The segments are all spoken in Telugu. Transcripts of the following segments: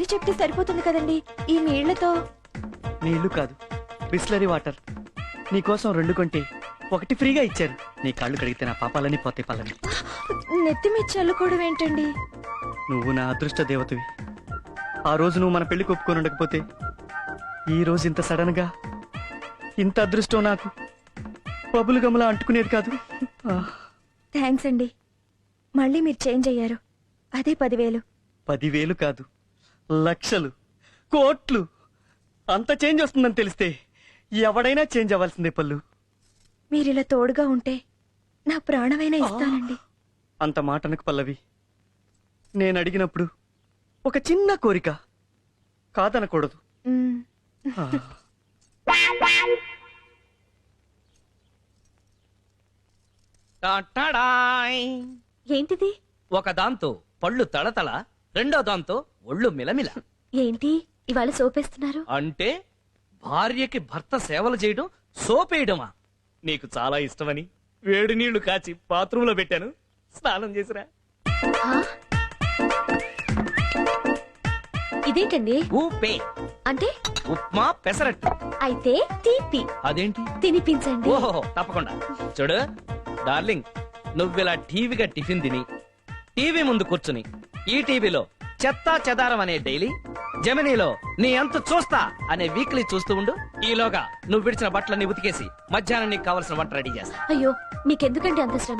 సారీ చెప్తే సరిపోతుంది కదండి. ఈ నీళ్లతో. నీళ్లు కాదు, బిస్లరీ వాటర్. నీకోసం 2 కొంటే 1 ఫ్రీగా ఇచ్చారు. నీ కాళ్ళు కడిగితే నా పాపాలని పోతే పళ్ళని. నెత్తి మీద చల్లుకోవడం ఏంటండి? నువ్వు నా అదృష్ట దేవతవి. ఆ రోజు నువ్వు మన పెళ్లి ఒప్పుకొని ఉండకపోతే ఈ రోజు ఇంత సడన్ గా ఇంత అదృష్టం నాకు బబులు గమలా అంటుకునేది కాదు. థ్యాంక్స్ అండి. మళ్ళీ మీరు చేంజ్ అయ్యారు. అదే 10,000. 10,000 కాదు, లక్షలు, కోట్లు. అంత చేంజ్ వస్తుందని తెలిస్తే ఎవడైనా చేంజ్ అవ్వాల్సిందే పల్లు. మీరిలా తోడుగా ఉంటే నా ప్రాణమైనా ఇస్తానండి. అంత మాటనకు పల్లవి. నేను అడిగినప్పుడు ఒక చిన్న కోరిక, కాదనకూడదు. మ్మ్. టాటాడాయ్. ఏంటిది? ఒక దాంతో పళ్ళు తళతళ, రెండో దాంతో ఒళ్ళు మిలమిల. ఏంటి ఇవాళ సోపేస్తున్నారు? అంటే భార్యకి భర్త సేవలు చేయడం సోపేయడమా? నీకు చాలా ఇష్టమని వేడి నీళ్లు కాచి బాత్రూంలో పెట్టాను, స్నానం చేసిరా. ఆ? ఇదేంటండి? ఊపే అంటే ఉప్మా పెసరట్టు. అయితే తీపి అదేంటి? తినిపించండి. ఓహో తప్పకుండా. చూడు డార్లింగ్, నువ్విలా టీవీగా టిఫిన్ తిని టీవీ ముందు కూర్చుని ఈ టీవీలో చెత్తా చెదారం అనే డైలీ, జెమినీలో నీ అంత చూస్తా అనే వీక్లీ చూస్తూ ఉండు. ఈలోగా నువ్వు విడిచిన బట్టలన్నీ ఉతికేసి మధ్యాహ్నం నీకు కావలసిన వంట రెడీ చేస్తా. అయ్యో మీకెందుకండి అంత శ్రమ?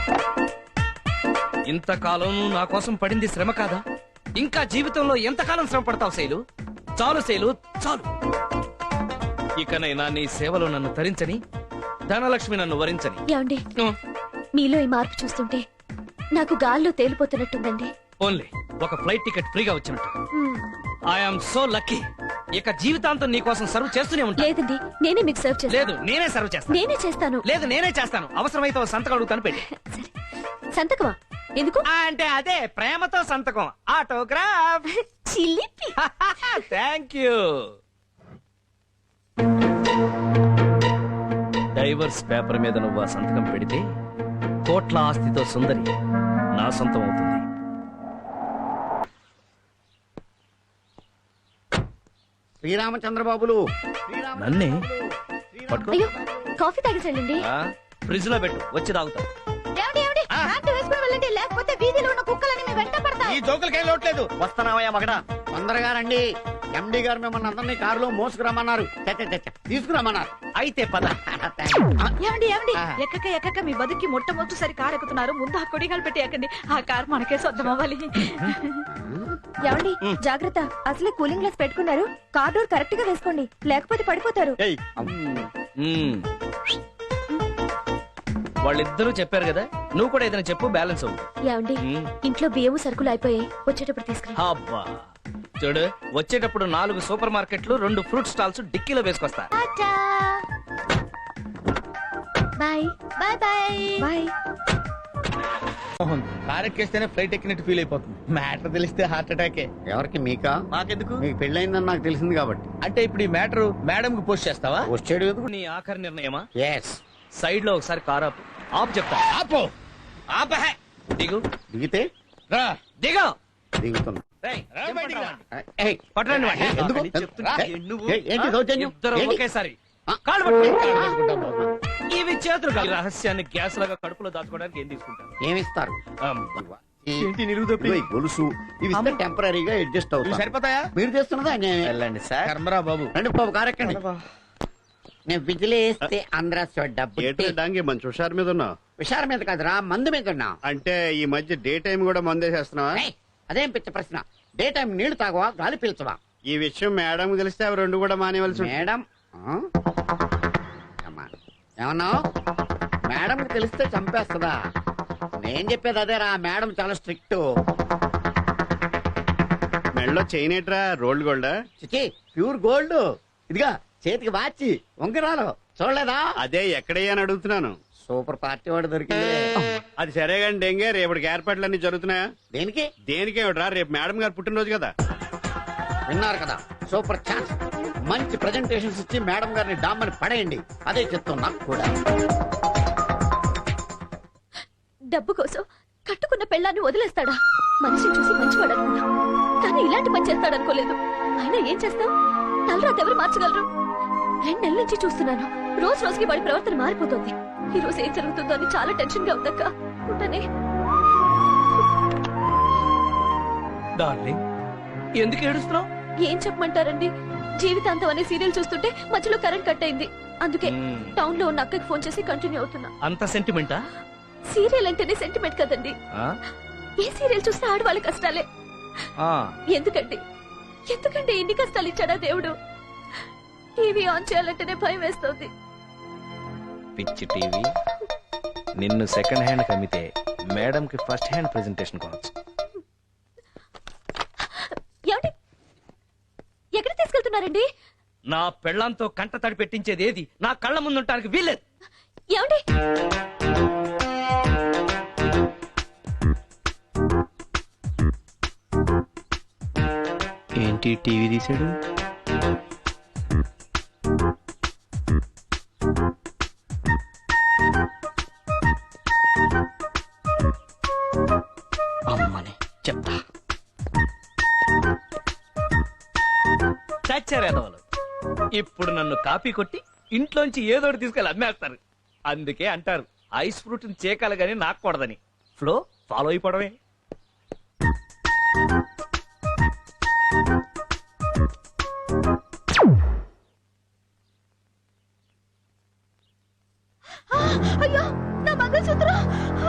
ఇంతకాలం నువ్వు నా కోసం పడింది శ్రమ కాదా? ఇంకా జీవితంలో ఎంతకాలం శ్రమ పడతావు శైలు? చాలు శైలు, చాలు. ఇకనైనా నీ సేవలో నన్ను తరించని, ధనలక్ష్మి నన్ను వరించని. ఏమండి, మీలో ఈ మార్పు చూస్తుంటే నాకు గాల్లో తేలిపోతున్నట్టుందండి. ఓన్లీ ఒక ఫ్లైట్ టికెట్ ఫ్రీగా వచ్చినట్టు. మ్మ్. I'm so lucky. ఇక జీవితాంతం నీ కోసం సర్వ్ చేస్తూనే ఉంటా. లేదండి, నేనే మీకు సర్వ్ చేస్తాను. లేదు, నేనే సర్వ్ చేస్తాను. నేనే చేస్తాను. లేదు, నేనే చేస్తాను. అవసరమైతే ఓ సంతకం అడుగుతాను, పెట్టి. సరే. సంతకమా? ఎందుకు? అంటే అదే ప్రేమతో సంతకం, ఆటోగ్రాఫ్. చిలిపి. Thank you. డైవర్స్ పేపర్ మీద నువ్వు ఆ సంతకం పెడితే కోట్ల ఆస్తితో సుందరి నా సొంతం అవుతుంది. శ్రీరామచంద్రబాబులు. నన్నే పట్టుకో. అయ్యో కాఫీ తాగేసండి. ఫ్రిడ్జ్ లో పెట్టు, వచ్చి తాగుతా. లేకపోతే వీధిలో ఉన్న కుక్కలని మీ వెంట పడతాయి. ఈ జోకులకేం లోట్లేదు. వస్తున్నావయ్యా మగడా. తొందరగా రండి. ఎండి గారు మిమ్మల్ని అందరినీ కారులో మోసుకురమ్మన్నారు. తీసుకురమ్మన్నారు. అయితే పద. ఏమండి ఎక్కక మీ బతుకి మొట్టమొదటిసారి కారు ఎక్కుతున్నారు. ముందు ఆ కొడిగాలు పెట్టి ఎక్కండి. ఆ కారు మనకే సొంతం అవ్వాలి. ఏమండి జాగ్రత్త, అసలే కూలింగ్ గ్లాస్ పెట్టుకున్నారు. కార్ డోర్ కరెక్ట్ గా వేసుకోండి, లేకపోతే పడిపోతారు. మ్మ్. వాళ్ళిద్దరూ చెప్పారు కదా, నువ్వు కూడా ఏదైనా చెప్పు, బ్యాలెన్స్ అవ్వు. ఏమండి ఇంట్లో బియ్యము సరుకులు అయిపోయాయి, వచ్చేటప్పుడు తీసుకురా. అబ్బా చూడు, వచ్చేటప్పుడు 4 సూపర్ మార్కెట్లు, 2 ఫ్రూట్ స్టాల్స్ డిక్కీలో వేసుకొస్తా. Bye bye bye bye. కారెక్కేస్తేనే ఫ్లైట్ ఎక్కినట్టు ఫీల్ అయిపోతుంది. మ్యాటర్ తెలిస్తే హార్ట్ అటాకే. ఎవరికి? మీకా? మాకెందుకు? మీకు పెళ్ళయిందని నాకు తెలిసింది కాబట్టి. అంటే ఇప్పుడు ఈ మ్యాటర్ మేడం కి పోస్ట్ చేస్తావా? వచ్చాడు ఎందుకు? నీ ఆఖరి నిర్ణయమా? ఎస్. సైడ్ లో ఒకసారి కార్ ఆపు. ఆపు చెప్తా. ఆపో. ఆపహే. దిగు. దిగితే రా. దిగు. దిగుతున్నా. రేయ్, రా బయటికి రా. ఏయ్, పట్టరండి వాడిని. ఎందుకు? చెప్తున్నా. రా. ఏంటి దౌర్జన్యం? ఇద్దరు ఏంటి? ఒకేసారి ఆ. కాళ్ళు పట్టుకో. కాళ్ళు పట్టుకుంటాం బాబు. ఇవి చేతులు కాదు. రహస్యాన్ని గ్యాస్ లాగా కడుపులో దాచుకోవడానికి ఏం తీసుకుంటాను? ఏమిస్తారు? ఏంటి నిలువుదప్పి? ఇదిగో ఈ గొలుసు ఇవి ఇస్తే టెంపరీగా అడ్జస్ట్ ఇవి అవుతాయి. సరిపోతాయా? మీరు చేస్తున్నదా? వెళ్ళండి సార్. కర్మరా బాబు. రండి బాబు, కారెక్కండి. నేను బిజిలీ వేస్తే ఆంధ్ర డబ్బు డాంగి మంచి హుషారు మీద ఉన్నావు. విషార మీద కాదురా, మందు మీద ఉన్నా. అంటే ఈ మధ్య డే టైం కూడా మందేసేస్తున్నావా? ఏయ్, అదేం పిచ్చ ప్రశ్న. డే టైం నీళ్లు తాగవా, గాలి పీల్చవా? ఈ విషయం మేడం తెలిస్తే అవి 2 కూడా మానేవలసి ఉంటుంది. మేడం ఏమన్నావు? మేడం తెలిస్తే చంపేస్తుందా? నేను చెప్పేది అదేరా, మేడం చాలా స్ట్రిక్ట్. మెడలో చైన్ ఏట్రా, రోల్డ్ గోల్డా? చిచి, ప్యూర్ గోల్డ్. ఇదిగా చేతికి వాచి, ఉంగరాలు చూడలేదా? అదే ఎక్కడయ్యా అని అడుగుతున్నాను. సూపర్ పార్టీ వాడు దొరికింది. అది సరే కానీ డెంగే, రేపటికి ఏర్పాట్లన్నీ జరుగుతున్నాయా? దేనికి? దేనికేమిట్రా, రేపు మేడం గారు పుట్టినరోజు కదా. విన్నారు కదా, సూపర్ ఛాన్స్. మంచి ప్రెజెంటేషన్స్ ఇచ్చి మేడం గారిని డామ్మని పడేయండి. అదే చెప్తున్నా కూడా. డబ్బు కోసం కట్టుకున్న పెళ్ళాన్ని వదిలేస్తాడా? మనిషిని చూసి మంచివాడు అనుకున్నా. కానీ ఇలాంటి పని చేస్తాడనుకోలేదు. అయినా ఏం చేస్తాం, తలరాత ఎవరు మార్చగలరు? 2 నెలల నుంచి చూస్తున్నాను. రోజు రోజుకి వాడి ప్రవర్తన మారిపోతుంది. ఈ రోజు ఏం జరుగుతుందో అని చాలా టెన్షన్ గా ఉందక్క. ఉంటానే. డార్లింగ్, ఎందుకు ఏడుస్తున్నావు? ఏం చెప్పమంటారండి, జీవితాంతం అనే సీరియల్ చూస్తుంటే మధ్యలో కరెంట్ కట్ అయింది. అందుకే టౌన్ లో ఉన్న అక్కకి ఫోన్ చేసి కంటిన్యూ అవుతున్నా. అంత సెంటిమెంటా? సీరియల్ అంటేనే సెంటిమెంట్ కదండి. ఏ సీరియల్ చూస్తే ఆడవాళ్ళ కష్టాలే. ఎందుకండి ఎందుకంటే ఇన్ని కష్టాలు ఇచ్చాడా దేవుడు? టీవీ ఆన్ చేయాలంటేనే భయం వేస్తుంది. పిచ్చి టీవీ. నిన్ను సెకండ్ హ్యాండ్ కమ్మితే మేడం కి ఫస్ట్ హ్యాండ్ ప్రెజెంటేషన్ కొనొచ్చు. ఏమండి, ఎక్కడ తీసుకెళ్తున్నారండి? నా పెళ్ళంతో కంట తడి పెట్టించేది ఏది నా కళ్ళ ముందుంటానికి వీల్లేదు. ఏమండి, ఏంటి టీవీ తీసాడు? అమ్మని చెప్తా. చచ్చారేదోలు. ఇప్పుడు నన్ను కాపీ కొట్టి ఇంట్లోంచి ఏదోటి తీసుకెళ్ళి అమ్మేస్తారు. అందుకే అంటారు ఐస్ ఫ్రూట్ చేకాలి గాని నాకూడదని. Flow follow అయిపోవడమే. అయ్యో నా మంగళసూత్రం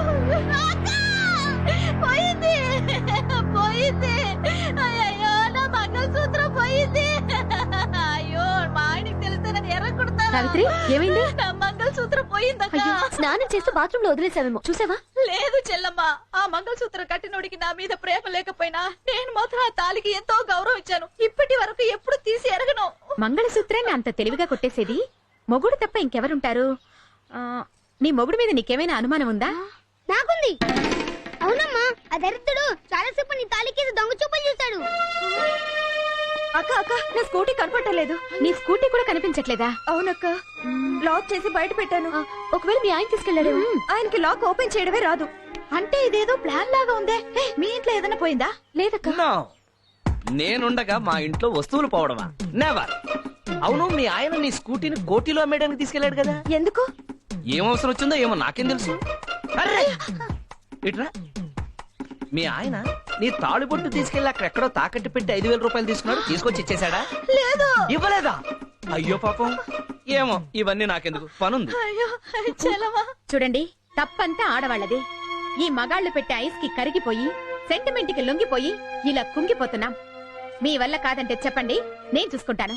పోయింది పోయింది. అయ్యో నా మంగళసూత్రం పోయింది. అయ్యో మా ఆయనకి తెలిస్తే నేను ఎర్రకుడతాను. సావిత్రి, ఏమైంది? నా మంగళసూత్రం పోయిందక్క. స్నానం చేస్తూ బాత్రూమ్ లో వదిలేసావేమో, చూసావా? లేదు చెల్లమ్మ, ఆ మంగళసూత్రం కట్టినోడికి నా మీద ప్రేమ లేకపోయినా నేను మాత్రం ఆ తాలికి ఎంతో గౌరవం ఇచ్చాను. ఇప్పటి వరకు ఎప్పుడు తీసి ఎరగను. మంగళసూత్రాన్ని అంత తెలివిగా కొట్టేసేది మొగుడు తప్ప ఇంకెవరుంటారు? నీ మొగుడు మీద నీకేమైనా అనుమానం ఉందా? నాకుంది. అవునమ్మా, ఆ దరిద్రుడు చాలా సేపు నీ తాలికి దొంగ చూపలు చూశాడు. అక్క అక్క, నా స్కూటీ కనపడలేదు. నీ స్కూటీ కూడా కనిపించట్లేదా? అవునక్క, లాక్ చేసి బయట పెట్టాను. ఒకవేళ మీ ఆయన తీసుకెళ్లాడు. ఆయనకి లాక్ ఓపెన్ చేయడమే రాదు. అంటే ఇదేదో ప్లాన్ లాగా ఉందే. మీ ఇంట్లో ఏదైనా పోయిందా? లేదక్క. No. నేనుండగా మా ఇంట్లో వస్తువులు పోవడమా? నెవర్. అవును, మీ ఆయన నీ స్కూటీని కోటిలో అమ్మేయడానికి తీసుకెళ్లాడు కదా, ఎందుకు? ఏం అవసరం వచ్చిందో ఏమో నాకేం తెలుసు. అర్రే! ఇట్రా. మీ ఆయన నీ తాళిబొట్టు తీసుకెళ్లి అక్కడెక్కడో తాకట్టు పెట్టి 5,000 రూపాయలు తీసుకున్నాడు, తీసుకొచ్చి ఇచ్చేశాడా? లేదు. ఇవ్వలేదా? అయ్యో పాపం. ఏమో, ఇవన్నీ నాకెందుకు, పనుంది. అయ్యో చెల్లమ్మ. చూడండి, తప్పంతా ఆడవాళ్ళది. ఈ మగాళ్లు పెట్టే ఐస్ కి కరిగిపోయి సెంటిమెంట్ కి లొంగిపోయి ఇలా కుంగిపోతున్నాం. మీ వల్ల కాదంటే చెప్పండి, నేను చూసుకుంటాను.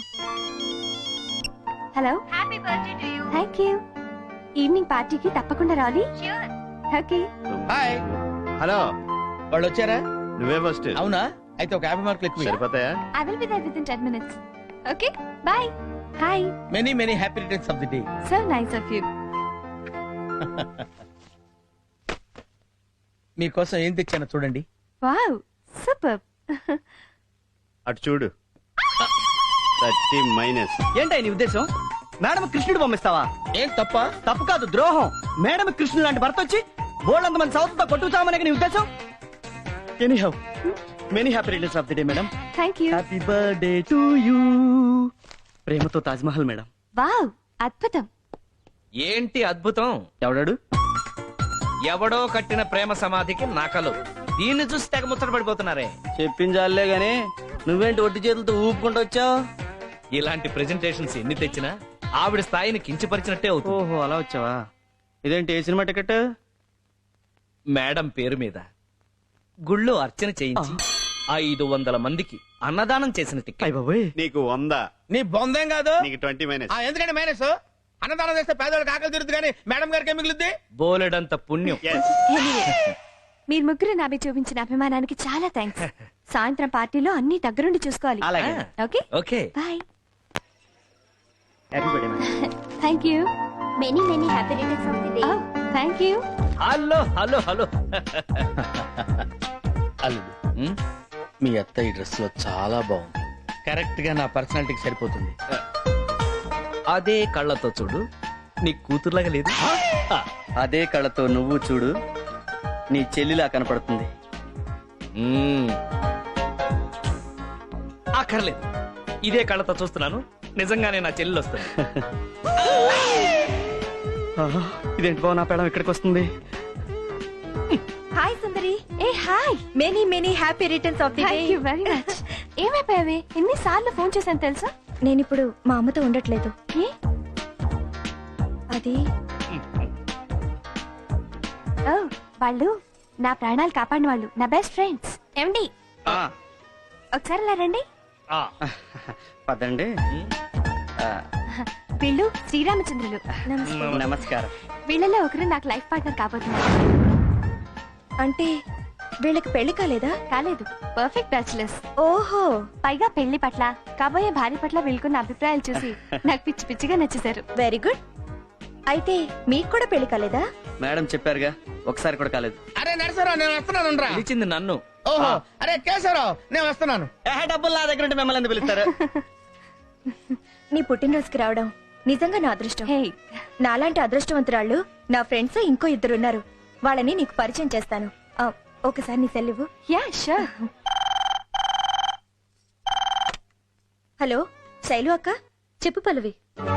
Hello, happy birthday to you. Thank you. Evening పార్టీకి తప్పకుండా రావాలి. ష్యూర్. ఓకే. హాయ్. హలో, వాళ్ళు వచ్చారా? నువ్వే ఫస్ట్. అవునా? అయితే ఒక 50 మార్కులు ఎక్కువ. సరిపోతాయా? I will be there within 10 minutes. Okay? Bye. Hi. Many many happy returns of the day. So nice of you. మీకోసం ఏం తెచ్చానో చూడండి. Wow. Superb. అటు చూడు. 30 మైనస్. ఏంటా నీ ఉద్దేశం? మేడం కృష్ణుడు పంపిస్తావా? ఏం తప్ప? తప్పు కాదు, ద్రోహం. మేడం కృష్ణుడు లాంటి భర్త వచ్చి బోల్డంత మంది సౌత్తో కొట్టుకుతామనే నీ ఉద్దేశం? Anyhow, many happy returns of the day madam. Thank you. Happy birthday to you. ప్రేమతో తాజ్ మహల్ మేడం. Wow. అద్భుతం. ఏంటి అద్భుతం? ఎవడాడు? ఎవడో కట్టిన ప్రేమ సమాధికి నకలు. దీన్ని చూసి తెగ ముచ్చట పడిపోతున్నారే. చెప్పించాలే గాని నువ్వేంటి ఒట్టి చేతులతో ఊపుకుంటూ వచ్చావు? ఇలాంటి ప్రెజెంటేషన్స్ ఎన్ని తెచ్చినా ఆవిడ స్థాయిని కించపరిచినట్టే అవుతుంది. ఓహో, అలా వచ్చావా? ఇదేంటి, ఏ సినిమా టికెట్? మేడం పేరు మీద గుళ్ళో అర్చన చేయించి 500 మందికి అన్నదానం చేసిన టికెట్. అయ్ బాబోయ్. నీకు 100. నీ బొందేం కాదు. నీకు 20 మైనస్. ఎందుకంటే మైనస్ అన్నదానం చేస్తే పేదవాళ్ళకి ఆకలి తీరుతుంది కానీ మేడం గారికి ఏం మిగులుద్ది? బోలెడంత పుణ్యం. Yes. మీరు ముగ్గురు నాపై చూపించిన అభిమానానికి చాలా థ్యాంక్స్. సాయంత్రం పార్టీలో అన్ని దగ్గరుండి చూసుకోవాలి. అలాగే. Okay. Okay. Bye. Happy birthday madam. Thank you. Many many happy returns of the day. Thank you. Hello hello hello. అల్లుడు, ఉమ్, మీ అత్త ఈ డ్రెస్ లో చాలా బాగుంది. కరెక్ట్ గా నా పర్సనాలిటీకి సరిపోతుంది. అదే కళ్ళతో చూడు, నీ కూతురులాగా లేదు. అదే కళ్ళతో నువ్వు చూడు, నీ చెల్లిలా కనపడుతుంది. ఉమ్, అక్కర్లేదు, ఇదే కళ్ళతో చూస్తున్నాను, నిజంగానే నా చెల్లెలు వస్తుంది. ఇదేంటి బావ, నా పేడం ఇక్కడికి వస్తుంది? హాయ్ సుందరి. ఏ hi. Many many happy returns of the day. Thank you very much. ఏమైపోయావే? ఎన్నిసార్లు ఫోన్ చేశాను తెలుసా? నేను ఇప్పుడు మా అమ్మతో ఉండట్లేదు. ఏ? అది ఓ, వాళ్ళు నా ప్రాణాలు కాపాడిన వాళ్ళు, నా బెస్ట్ ఫ్రెండ్స్. ఏమండి, ఆ, ఒకసారి ఇలా రండి. ఆ, పదండి. ఆ, వీళ్ళు శ్రీరామచంద్రులు. నమస్కారం. వీళ్ళలో ఒకరు నాకు లైఫ్ పార్ట్నర్ కాబోతున్నారు. అంటే వీళ్ళకి పెళ్లి కాలేదా? కాలేదు, పర్ఫెక్ట్ బ్యాచులర్స్. ఓహో, పైగా పెళ్లి పట్ల, కాబోయే భార్య పట్ల వీళ్ళకున్న అభిప్రాయాలు చూసి నాకు పిచ్చి పిచ్చిగా నచ్చేశారు. Very good. అయితే మీకు కూడా పెళ్లి కాలేదా? మేడం చెప్పారుగా, ఒకసారి కూడా కాలేదు. అరే నరసరావు నేను వస్తున్నాను రా. పిలిచింది నన్ను. ఓహో అరే కేశవరావు నేను వస్తున్నాను. డబ్బులు నా దగ్గర ఉంటే మిమ్మల్ని ఎందుకు పిలుస్తారు? నీ పుట్టినరోజుకి రావడం నిజంగా నా అదృష్టం. నాలాంటి అదృష్టవంతురాళ్ళు నా ఫ్రెండ్స్ ఇంకో ఇద్దరు ఉన్నారు. వాళ్ళని నీకు పరిచయం చేస్తాను. ఒకసారి నీ సెల్ ఇవ్వు. Yeah sure. హలో శైలు అక్క. చెప్పు పల్లవి.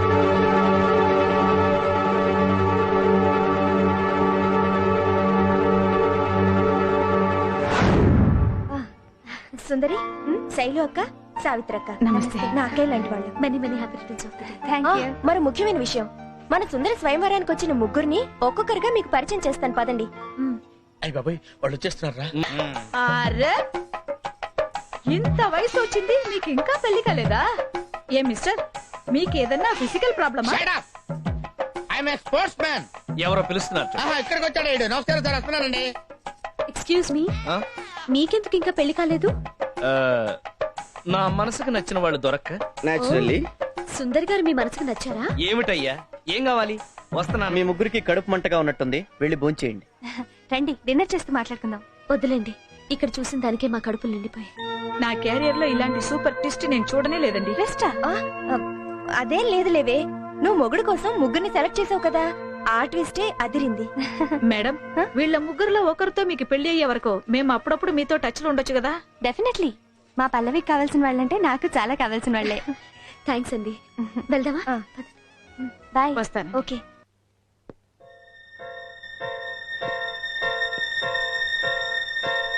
సుందరి, శైలు అక్క, సావిత్రక్క. నమస్తే. నా అక్కయ్య లాంటి వాళ్ళు. Many many happy returns of the day. మరో ముఖ్యమైన విషయం, మన సుందరి స్వయంవరానికి వచ్చిన ముగ్గురిని ఒక్కొక్కరుగా మీకు పరిచయం చేస్తాను, పదండి. అయ్య బాబాయ్ వాళ్ళు వచ్చేస్తున్నారా? అరే ఇంత వయసు వచ్చింది మీకు ఇంకా పెళ్లి కాలేదా? ఏ మిస్టర్, మీకు ఏదన్నా ఫిజికల్ ప్రాబ్లమా? I'm a sportsman. ఎవరో పిలుస్తున్నారు. ఇక్కడికి వచ్చాడు ఈడు. నమస్కారం సార్, వస్తున్నానండి. ఎక్స్క్యూజ్ మీ, ఆ? మీకెందుకు ఇంకా పెళ్లి కాలేదు? ఆ, నా మనసుకు నచ్చిన వాళ్ళు దొరక్క. నేచురల్లీ సుందర్ గారు మీ మనసుకు నచ్చారా? ఏమిటయ్యా, ఏం కావాలి? వస్తున్నాను. మీ ముగ్గురికి కడుపు మంటగా ఉన్నట్టుంది, వెళ్ళి భోంచేయండి. రండి, డిన్నర్ చేస్తూ మాట్లాడుకుందాం. వద్దులేండి, ఇక్కడ చూసిన దానికే మా కడుపులు నిండిపోయాయి. నా కెరియర్ లో ఇలాంటి సూపర్ ట్విస్ట్ నేను చూడనే లేదండి. రెస్టా? అదేం లేదు లేవే, నువ్వు మొగుడు కోసం ముగ్గురిని సెలెక్ట్ చేసావు కదా, ఆ ట్విస్టే అదిరింది. మేడం, వీళ్ళ ముగ్గురులో ఒకరితో మీకు పెళ్లి అయ్యే వరకు మేము అప్పుడప్పుడు మీతో టచ్ లో ఉండొచ్చు కదా? డెఫినెట్లీ. మా పల్లవికి కావాల్సిన వాళ్ళంటే నాకు చాలా కావాల్సిన వాళ్ళే. థ్యాంక్స్ అండి. వెళ్దామా? బాయ్. వస్తాను. ఓకే.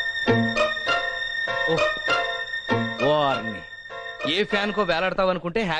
ఓ, వారిని ఏ ఫ్యాన్ కో వేలాడతావు అనుకుంటే